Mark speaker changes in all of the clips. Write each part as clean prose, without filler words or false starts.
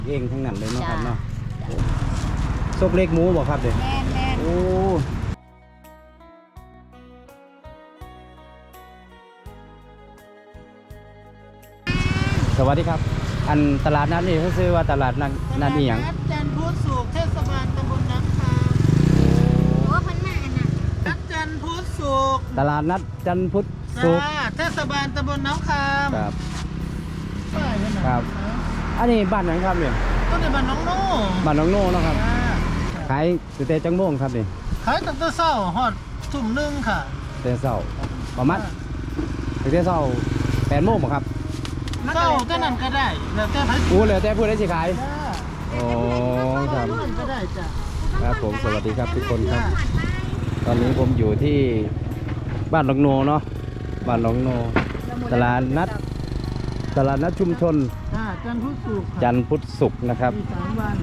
Speaker 1: เองทั้งนั้นเลยเนาะครับเนาะซกเล็กหมูบ่ครับเด็กโอ้สวัสดีครับอันตลาดนัดนี่เขาซื้อว่าตลาดนัดนี่หยัง
Speaker 2: จันทร์พุธศุกร์เทศบาลตำบลน้ำคาโอ้พันมาน่ะนัดจันทร์พุธศุกร์
Speaker 1: ตลาดนัดจันทร์พุธศุกร์
Speaker 2: เทศบาลตำบลน้ำคา
Speaker 1: ครับครับอันนี้บ้านไหนครับเนี่ย
Speaker 2: ก็ในบ้านน้องโน่
Speaker 1: บ้านน้องโน่เนาะครับขายตั้งแต่จังโมงครับนี่
Speaker 2: ขายตั้งแต่เช้าฮอดทุ่มหนึ่งค่ะ
Speaker 1: แต่เช้าประมาณตั้งแต่เช้า8 โมงบ่ครับ
Speaker 2: เช้าเท่านั้นก็ได้แล้วแต่พัน
Speaker 1: อู้เลยแต่พูดได้สิขายโอ้ครับ
Speaker 2: ก็ได้จ้ะ
Speaker 1: ครับผมสวัสดีครับทุกคนครับตอนนี้ผมอยู่ที่บ้านหนองโนเนาะบ้านหนองโนตลาดนัดชุมชน
Speaker 2: จันทร์พุธศุกร์
Speaker 1: จันทร์พุธศุกร์นะครับ
Speaker 2: 3 วัน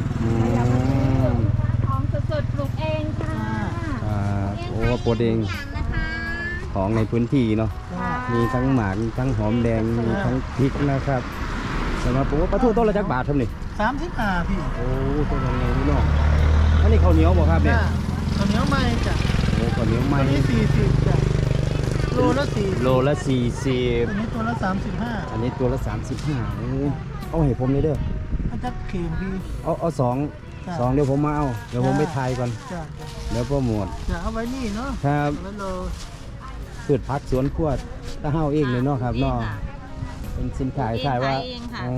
Speaker 3: ของสดๆปลูกเองค่ะ
Speaker 1: โอ้โปรดเองของในพื้นที่เนาะมีทั้งหมากมีทั้งหอมแดงมีทั้งพริกนะครับแต่มาปลาทูต้นละจักบาทเท่านี้
Speaker 2: 35พี่
Speaker 1: โอ้ตัวยังไงนี่เนาะอันนี้ข้าวเหนียวบ่ครับเนี่ย
Speaker 2: ข้าวเหนียวไหมจ้ะ
Speaker 1: โอ้ข้าวเหนียวไหม
Speaker 2: นี่40จ้ะโลละ40
Speaker 1: อันนี้
Speaker 2: ตัวละ35
Speaker 1: อันนี้ตัวละ35โอ้เอาให้ผมเลยเด้อ
Speaker 2: มันจะเค็มพี่
Speaker 1: เอาสองเดี๋ยวผมมาเอาเดี๋ยวผมไปทายก่อนเดี๋ยวโปรโมท
Speaker 2: จะเอาไว้นี่เนาะ
Speaker 1: ครับพืชผักสวนครัวตะเฮาเองเลยเนาะครับเนาะเป็นสินค้าขายว่าอ๋อ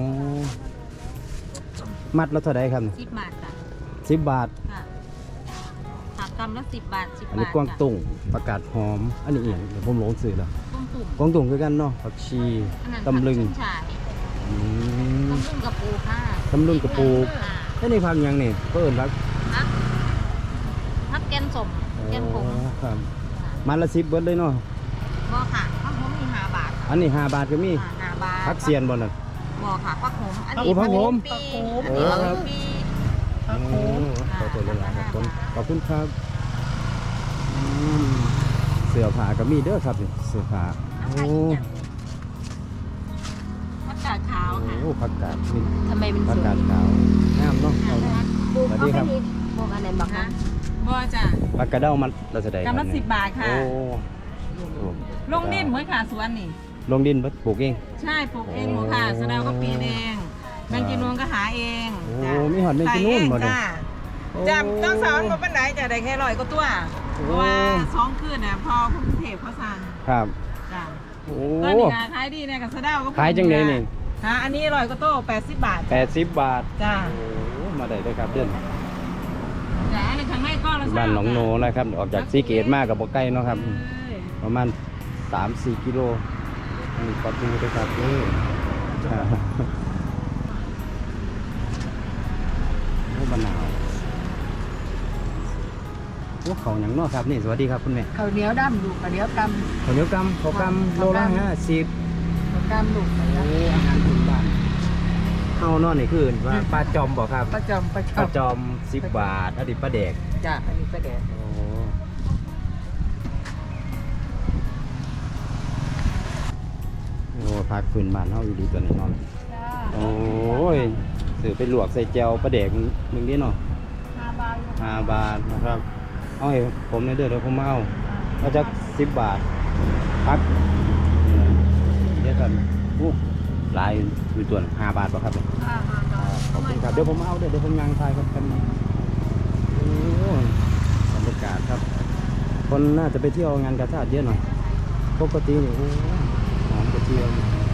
Speaker 1: มัดละเท่าไหร่ครับ
Speaker 3: 10 บาทค่ะ
Speaker 1: 10 บาท
Speaker 3: ค่ะผักกำละ10 บาท10 บาท
Speaker 1: อันนี้กวางตุ้งประกาศหอมอันนี้เอียงเดี๋ยวผมหลงสื่อแล้วกวางตุ้งคือกันเนาะผักชีตำลึง
Speaker 3: ตำลึงกระปูค่ะ
Speaker 1: ตำลึงกระปูแล้วนี่พักยังนี่ก็เอิญ
Speaker 3: พักแกนสมแกนผง
Speaker 1: ครับมันละ10 เบิดเลยเนาะ
Speaker 3: บ่ค่ะพักผมมี5 บาท
Speaker 1: อันนี้5 บาทก็มี
Speaker 3: 5 บาท
Speaker 1: พักเซียนบ่นั่น
Speaker 3: บ่ค่ะพักผมอันนี้
Speaker 1: พักผม
Speaker 3: โอ้ครับ
Speaker 1: ขอบคุณขอบคุณครับเสื้อผ้าก็มีเด้อครับนี่เสื้อผ้าโอ้
Speaker 3: ผักกาดขาวค่ะ
Speaker 1: โอ้ผักกาดนี่
Speaker 3: ทำไมเป็น
Speaker 1: ผักกาดขาวงามเนาะ
Speaker 3: สวัสดีครับพวกอะไรบ้างคะ
Speaker 4: บ่จ้ะ
Speaker 1: ผักกาดเด้ามันเราแสดง
Speaker 4: กำลัง10 บาทค่ะ
Speaker 1: โอ้
Speaker 4: ลงดินเหมือนค่ะสวนนี่
Speaker 1: ลงดินปลูกเอง
Speaker 4: ใช่ปลูกเองหมดค่ะสะเดาก็ปีนเองแมงจีนูนก็หาเอง
Speaker 1: โอ้มีหอดแมงจีนูนหมดเลย
Speaker 4: จ้ะต้องสอนมาปันไหนจะได้แค่100 กว่าตัวเพราะว่า2 คืนน่ะพอคุณเทพเขาสั่ง
Speaker 1: ครับ
Speaker 4: จ้ะ
Speaker 1: โอ้
Speaker 4: ตอนนี้ขายดีเนี่ยกับสะเดาก็
Speaker 1: ขายจังเลยนี่
Speaker 4: อันนี้100 กว่าตัว80 บาท
Speaker 1: 80 บาท
Speaker 4: จ้ะ
Speaker 1: โอ้มาได้เลยครับเดือน
Speaker 4: จ้ะในข้างในก็ละ
Speaker 1: บ้านหนองโนนะครับออกจากสีเกตมากกับบ่ใกล้เนาะครับประมาณ3-4 กิโลมีปลาทูด้วยครับนี่โอ้มะนาวโอ้เขาอย่างนอกครับนี่สวัสดีครับคุณแม่
Speaker 2: ข้าวเหนียวดำลูกข้าวเหนียวกำ
Speaker 1: ข้าวเหนียวกำข้าวกำโลละ50
Speaker 2: ข้าวกำลูก
Speaker 1: โอ้อาหารพื้นบ้านเฮานอนนี่คือว่าปลาจอมบ่ครับ
Speaker 2: ปลาจอม
Speaker 1: 10 บาทอันนี้ปลาแดก
Speaker 2: จ้ะอันนี้ปลาแดก
Speaker 1: โอ้ผักพื้นบ้านเฮาอยู่ดีตัวนี้นอนโอ้ยซื้อไปลวกใส่แจ่วปลาแดกมึงนี่เนาะ5 บาทนะครับเอาให้ผมในเดือนเดี๋ยวผมมาเอาจาก10 บาทพักเดี๋ยวกันลายอยู่ตัว5 บาทป่ะครับขอบคุณครับเดี๋ยวผมเอาเดี๋ยวผมยังทายครับกันโอ้บรรยากาศครับคนน่าจะไปเที่ยวงานกาชาดเยอะหน่อยปกตินี่หอมกระเทียม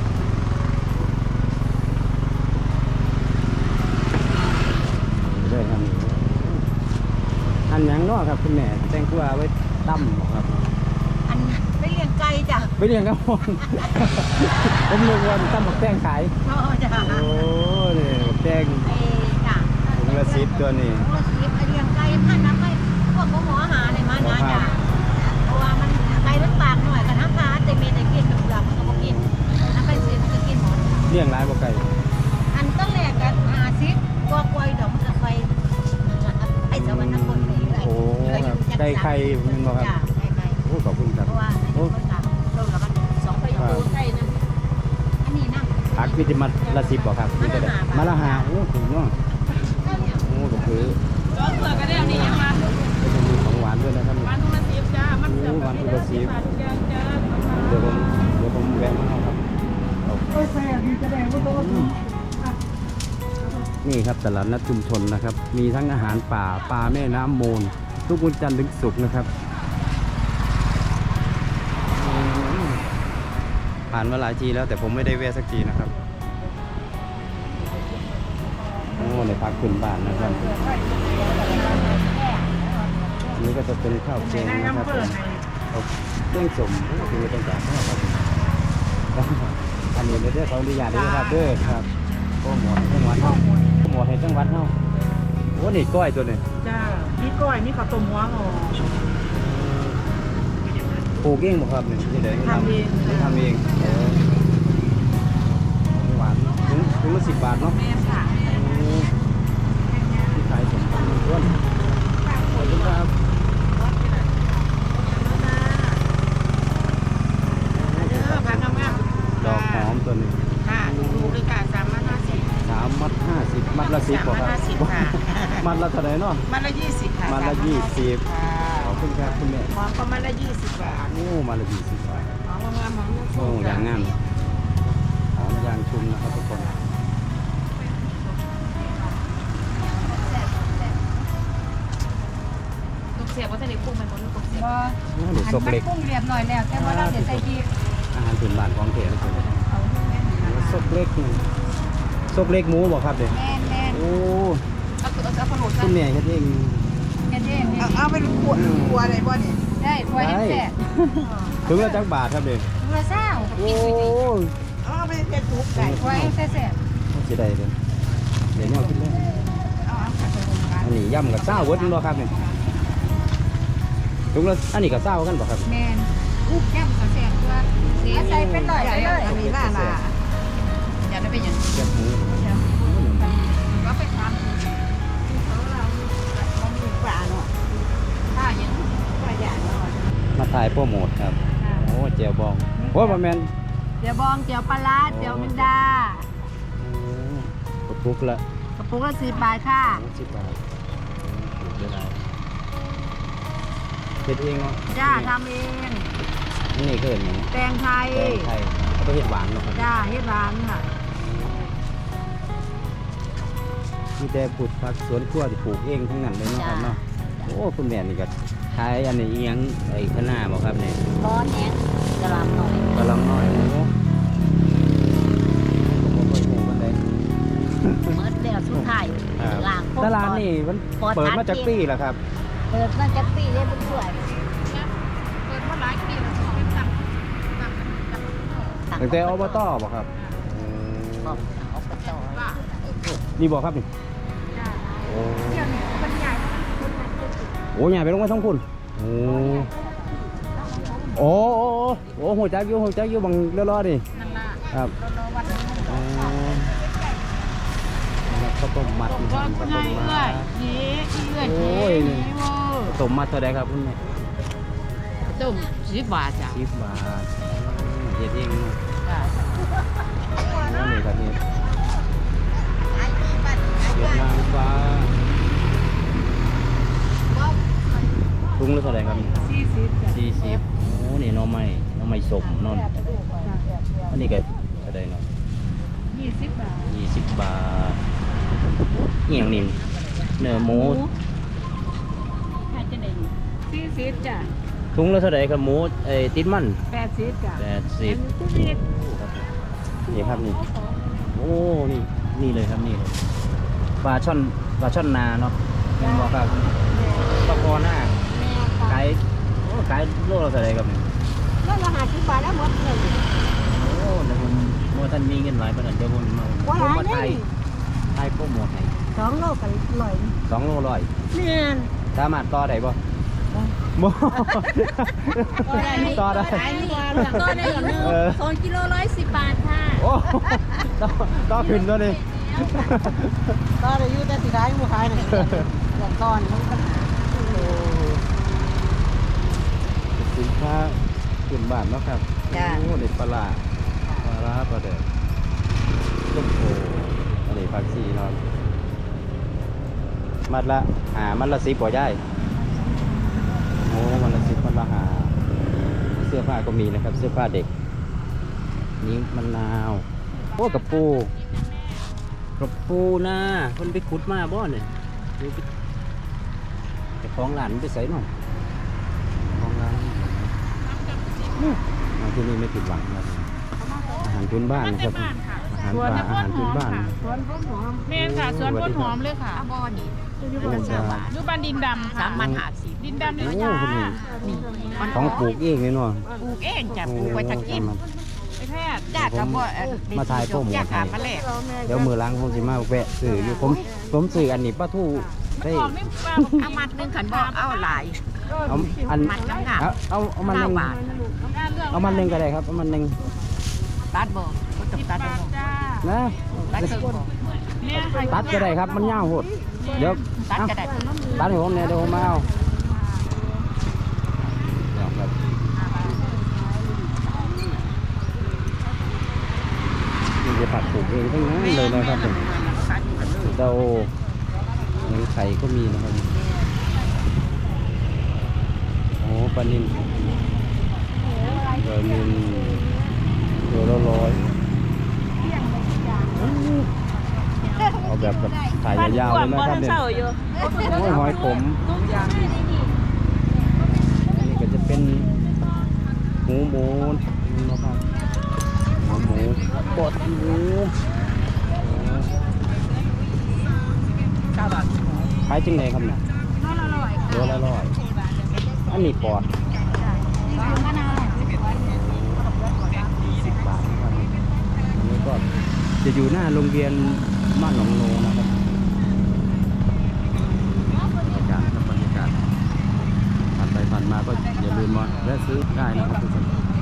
Speaker 1: ด้วยครับอันยังเนาะครับคุณแม่แตงกวาไว้ตั้มครับ
Speaker 3: อันไม่เลี้ยงไก่จ้ะ
Speaker 1: ไม่เลี้ยงครับผมเลี้ยงวันตั้มหมกแตงขาย
Speaker 3: จ้ะ
Speaker 1: โอ้เนี่ยหมกแตง
Speaker 3: จ้ะ
Speaker 1: ถุงละ10ตัวนี่
Speaker 3: ถุงละ10เลี้ยงไก่พันน้ำไก่พวกหมออาหารอะไรมานะจ้ะเพราะว่ามันไก่มันปากหน่อยกับน้ำปลาแต่เมย์ได้กินกับเปลือกมันก็บ่กินน้ำไก่เสียมันก็กินหมด
Speaker 1: เลี้ยงหลายบ่ไก่
Speaker 3: อันต้นแรกกัน50กว่าดอกมันก็ไปไอ้สวรรค์คนนี้เลย
Speaker 1: ไก่ไข่มันบ่ครับโอ้ขอบคุณครับ
Speaker 3: เพราะว่าโอ้โลละมัน2 ประโยชน์ไก่นะอันนี้นะ
Speaker 1: ผักมีแต่มัดละ10บ่ครับนี่ก็ได้มัดละ5โอ้ถูกเนาะโอ้ก็คือ
Speaker 4: ก็เผื่อก็ได้อันนี้ยังมา
Speaker 1: ก็จะมีของหวานด้วยนะครับ
Speaker 4: วันทุกทีจ้ามันเสือ
Speaker 1: วันทุกที
Speaker 4: จ้า
Speaker 1: เดี๋ยวผมแวะมาเอาครับนี่ครับตลาดนัดชุมชนนะครับ มีทั้งอาหารป่าปลาแม่น้ำมูลทุกวันจันทร์ถึงศุกร์นะครับผ่านมาหลายทีแล้วแต่ผมไม่ได้แวะสักทีนะครับโอ้ในพักขึ้นบ้านนะครับนี่ก็จะเป็นข้าวแกงนะครับผมเครื่องสมก็คือเป็นจากข้าวครับอันนี้เด้อเขาอนุญาตด้วยครับเด้อครับโอ้หมดจังหวัดเฮาหมดให้จังหวัดเฮาโอ้นี่ก้อยตัวนี้
Speaker 2: จ้ามีก้อยมีข้าวต้มหัวหอ
Speaker 1: ปลูกเองบ่ครับนี่ที่ไหน
Speaker 2: ทำเอง
Speaker 1: ทำเองหวานถึงละ10 บาทเนาะ
Speaker 4: แม่ค่ะ
Speaker 1: ที่ขายสมบูรณ์ล้วนขอบคุณครับ
Speaker 4: เด้อพักงาม
Speaker 1: ดอกหอมตัวนี้
Speaker 4: ค่ะดูด้วยค่ะ350
Speaker 1: 3 มัด 50 มัดละ10บ่ครับ
Speaker 4: 350ค่ะ
Speaker 1: มัดละเท่าไหร่เนาะ
Speaker 4: มันละ20ค่ะ
Speaker 1: มัดละ20
Speaker 4: ค่ะ
Speaker 1: ขอบคุณครับคุณแม่
Speaker 4: หอมก็มันละ20 บาท
Speaker 1: โอ้มัดละ20 บาท
Speaker 4: หอมงามหอม
Speaker 1: โอ้อย่างงามหอมยางชุมนะครับทุกคน
Speaker 4: ลูกเสียบว่าจะได้ปรุงมันบ่ลูกเสียบ
Speaker 3: บ่
Speaker 1: โอ้เดี๋ยว
Speaker 3: อัน
Speaker 1: ซก
Speaker 3: มัน
Speaker 1: เล็ก
Speaker 3: ปรุงเรียบร้อยแล้วแต่ว่าเราเดี๋ยวใส่พริก
Speaker 1: อาหารพื้นบ้านของเททุกคน
Speaker 3: เอาให้แม่น
Speaker 1: ซกเล็กนี่ซกเล็กหมูบ่ครับเด็ก
Speaker 3: แม่นแม่น
Speaker 1: โอ้
Speaker 4: เอาขนม
Speaker 1: คุณแม่เฮ็ดเอง
Speaker 3: แค่นี้นี่
Speaker 2: เอาเป็นขวดอะไรบ่เนี่ย
Speaker 3: ได้ถ้วยให้แซ่บ
Speaker 1: ถึงละจักบาทครับเด็ก
Speaker 3: เมื่อเช้า
Speaker 1: โอ้
Speaker 2: เอาไปเป็นทุกไก่
Speaker 3: ถ้วยให้แซ่บ
Speaker 1: สิได้เด้อเดี๋ยวนี้เอาขึ้นเลย อันนี้ย่ำกับเศร้าเวิร์ดบ่ครับเนี่ยถุงละอันนี้กับเศร้ากันบ่ครับ
Speaker 3: แม่นอุ๊บแก้มก็แซ่บตัวเสียใส่เป็นร้อยไปเลย
Speaker 2: อันนี้ล่า
Speaker 4: อยากได้เป็นอย่าง
Speaker 1: แคบหมู
Speaker 4: ก็ไปท
Speaker 2: มีปลาเนาะ
Speaker 4: ำถ้าอย่าง
Speaker 2: ปลาอย่างเนาะ
Speaker 1: มาถ่ายโปรโมทครับ โอ้เจียวบองโอ้บ่แม่น
Speaker 3: เดี๋ยวบองเดี๋ยวปลาร้าเดี๋ยวแมงดา
Speaker 1: กระปุกละ
Speaker 3: กระปุกละ10 บาทค่ะ
Speaker 1: 10 บาทเดี๋ยวได้เฮ็ดเองเนาะ
Speaker 3: จ้าทำเอง
Speaker 1: นี่เกินหยัง
Speaker 3: แตงไทย
Speaker 1: แกงไทยเอาไปเฮ็ดหวานเนาะครับ
Speaker 3: จ้าเฮ็ดร้านค่ะ
Speaker 1: มีแต่ปลูกผักสวนครัวที่ปลูกเองทั้งนั้นเลยเนาะครับเนาะโอ้คุณแม่นี่ก็ขายอันนี้อีหยังไอ้คะน้าบ่ครับเนี่ย
Speaker 3: ร้อนแหงกระลำหน่อย
Speaker 1: กำลังน้อยโอ้ผมบ่ค่อยรู้ปานใด
Speaker 3: เมื่อเดือนสุดท้ายล้าง
Speaker 1: ตลาดนี่มันเปิดมาจากปีแล้วครับ
Speaker 3: เปิดมาจากปีได้เป็นถ้วย
Speaker 4: เปิดมาหลายปีแล้วเป็นตับ
Speaker 1: ตั้งแต่อบตบ่ครับ
Speaker 3: บอกเอาไปต่อ
Speaker 1: นี่บ่ครับนี่โอ้โหใหญ่ไปลงมาทั้งพุ่นโอ้โอ้หัวจักอยู่บังเรือๆนี่
Speaker 4: นั่นล่ะ
Speaker 1: ครับ
Speaker 4: รอวันนี้
Speaker 1: อ๋อข้าวต้มมัด
Speaker 4: ผมก็คุณยายเอื้อยเย้เอื้อยเย้เย้เวอร์
Speaker 1: ข้าวต้มมัดเท่าไรครับคุณแม่
Speaker 4: ต้ม10 บาทจ้ะ
Speaker 1: 10 บาทเฮ็ดเองเนาะ
Speaker 4: จ้ะ
Speaker 1: โอ้นี่ครับนี่เวียดนามฟ้าถุงละเท่าไรครับนี่
Speaker 2: 40จ้ะ
Speaker 1: 40โอ้นี่หน่อไม้สมนอนอันนี้ก็เท่าไรเนาะ
Speaker 2: 20 บาท
Speaker 1: 20 บาทเอียงนี่เนื้อหมู
Speaker 4: ให้จะได้
Speaker 2: 40จ้ะ
Speaker 1: ถุงละเท่าไรครับหมูติดมัน
Speaker 2: 80จ้ะ
Speaker 1: 80นี่ครับนี่โอ้นี่เลยครับนี่เลยปลาช่อนนาเนาะแม่นบ่ครับปลาคอหน้าขายโลละเท่าไรครับนี่
Speaker 3: แล้วเราหา10 บาทแล้วหมดเลย
Speaker 1: โอ้เดี๋ยวผมว่าท่านมีเงินหลายปานนั้นเดี๋ยวผมมา
Speaker 3: ว่าหลาย
Speaker 1: มา
Speaker 3: นี่
Speaker 1: ไทยโปรโมทให้
Speaker 3: 2 โลกัน100
Speaker 1: 2 โลร้อย
Speaker 3: แม่น
Speaker 1: สามารถต่อได้บ่บ่ต่อได้
Speaker 3: ก็ได้อีกนึง2กิโล110 บาทค่ะ
Speaker 1: โอ้ต่อขึ้นตัวนี้
Speaker 2: ก็ได้อยู่แต่สิขายบ่ขายน่ะอย่างก่อนมันปัญหา
Speaker 1: สินค้าขึ้นบ้านเนาะครับโอ้เด็ดปลาร้าปลาเด็ดส้มโออันนี้ผักชีเนาะมัดละมัดละ10บ่ได้โอ้มัดละ10มัดละ5เสื้อผ้าก็มีนะครับเสื้อผ้าเด็กนี่มะนาวโอ้กระปูนะคนไปขุดมาบ่เนี่ยแต่ของหลานไปใส่หน่อยของหลานมาที่นี่ไม่ผิดหวังครับอาหารพื้นบ้านนะครับอาหารป่าอาหารพื้นบ้าน
Speaker 2: สวนต้นหอม
Speaker 4: แม่นค่ะสวนต้นหอมเลยค่ะ
Speaker 3: บ่อนี่
Speaker 1: โอ้จ้า
Speaker 4: อยู่บ้านดินดำค่ะ
Speaker 3: 3,050
Speaker 4: ดินดำ
Speaker 1: โอ้
Speaker 4: นี่
Speaker 1: คุณนี่
Speaker 3: นี่
Speaker 1: ของปลูกเองเลยเนาะ
Speaker 3: ปลูกเองจ้ะปลูกไว้จะกิน
Speaker 4: ไปแพทย์
Speaker 3: จ้าก็บ่
Speaker 1: มาถ่ายโปรโมท
Speaker 3: จ้าขามาแลก
Speaker 1: เดี๋ยวมือล้างผมสิมาแวะซื้ออยู่ผมซื้ออันนี้ป้าทู่
Speaker 4: มัน
Speaker 1: ได้
Speaker 4: ออกนี่ปลา
Speaker 3: เอามัดหนึงขันบ่เอาหลาย
Speaker 1: เอาอัน
Speaker 3: มัดน้ำหนัก
Speaker 1: เอามันหนึ่ง
Speaker 3: 9 บาท
Speaker 1: เอามันหนึ่งก็ได้ครับเอามันหนึ่ง
Speaker 3: ตัดบ่บ่ต้องตัดบ่
Speaker 4: จ้า
Speaker 1: นะ
Speaker 3: ตัดเครื่องบ่
Speaker 4: แม่ค่ะ
Speaker 1: ตัดก็ได้ครับมันยาวโหดเดี๋ยว
Speaker 3: ตัดก็ได้
Speaker 1: ตัดให้ผมเนี่ยเดี๋ยวผมมาเอาเดี๋ยวครับนี่จะผักปลูกเองทั้งนั้นเลยนะครับผมเดาหนังไข่ก็มีนะครับโอ้ปลานิลตัวละ100เอาแบบถ่ายยาวๆเลยนะครับเนี่ยโอ้ยหอยขมอันนี้ก็จะเป็นหมูนะครับหมูบดหมูขายจริงไหนครับเนี่ยตัวละ100อันนี้ปอด10 บาทนะครับอันนี้ก็จะอยู่หน้าโรงเรียนบ้านหนองโลนะครับบรรยากาศผ่านไปผ่านมาก็อย่าลืมมาแวะซื้อได้นะครับทุกคน